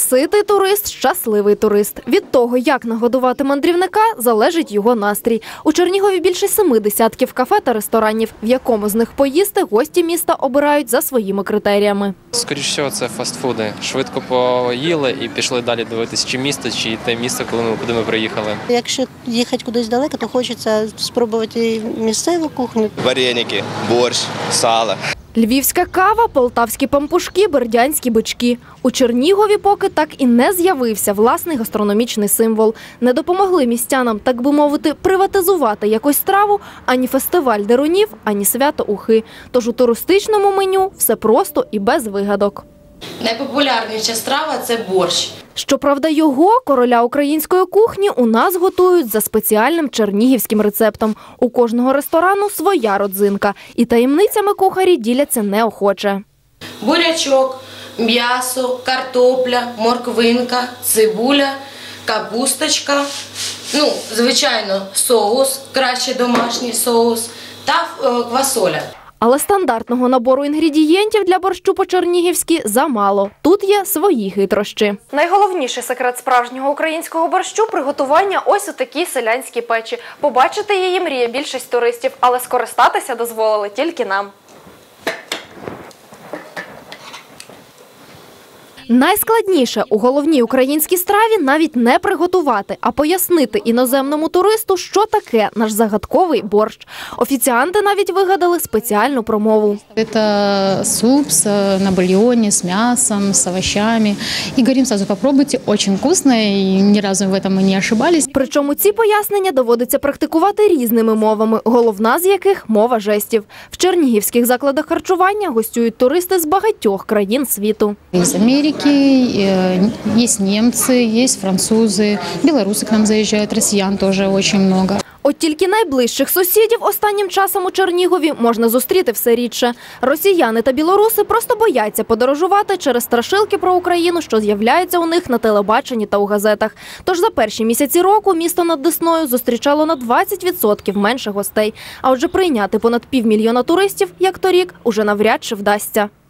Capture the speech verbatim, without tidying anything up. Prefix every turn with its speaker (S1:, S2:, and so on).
S1: Ситий турист – щасливий турист. Від того, як нагодувати мандрівника, залежить його настрій. У Чернігові більше семи десятків кафе та ресторанів. В якому з них поїсти, гості міста обирають за своїми критеріями.
S2: Скоріше всього, це фастфуди. Швидко поїли і пішли далі дивитися, чи місто, чи те місто, коли ми, куди ми приїхали.
S3: Якщо їхати кудись далеко, то хочеться спробувати місцеву кухню.
S4: Вареники, борщ, сало.
S1: Львівська кава, полтавські пампушки, бердянські бички. У Чернігові поки так і не з'явився власний гастрономічний символ. Не допомогли містянам, так би мовити, приватизувати якусь страву ані фестиваль дерунів, ані свято ухи. Тож у туристичному меню все просто і без вигадок.
S5: Найпопулярніша страва – це борщ.
S1: Щоправда, його, короля української кухні, у нас готують за спеціальним чернігівським рецептом. У кожного ресторану своя родзинка. І таємницями кухарі діляться неохоче.
S5: Бурячок, м'ясо, картопля, морквинка, цибуля, капусточка, ну, звичайно, соус, краще домашній соус та квасоля.
S1: Але стандартного набору інгредієнтів для борщу по-чернігівськи замало. Тут є свої хитрощі. Найголовніший секрет справжнього українського борщу – приготування ось у такій селянській печі. Побачити її мріє більшість туристів, але скористатися дозволили тільки нам. Найскладніше у головній українській страві навіть не приготувати, а пояснити іноземному туристу, що таке наш загадковий борщ. Офіціанти навіть вигадали спеціальну промову.
S6: Это суп на бульоне с мясом, с овощами. И говорим сразу, попробуйте, очень вкусно, и ни разу в этом мы не ошибались.
S1: Причому ці пояснення доводиться практикувати різними мовами, головна з яких – мова жестів. В чернігівських закладах харчування гостюють туристи з багатьох країн світу.
S6: Из Америки, есть немцы, есть французы, белорусы к нам заезжают, россиян тоже очень много.
S1: От тільки найближчих сусідів останнім часом у Чернігові можна зустріти все рідше. Росіяни та білоруси просто бояться подорожувати через страшилки про Україну, що з'являються у них на телебаченні та у газетах. Тож за перші місяці року місто над Десною зустрічало на двадцять відсотків менше гостей. А отже, прийняти понад півмільйона туристів, як торік, уже навряд чи вдасться.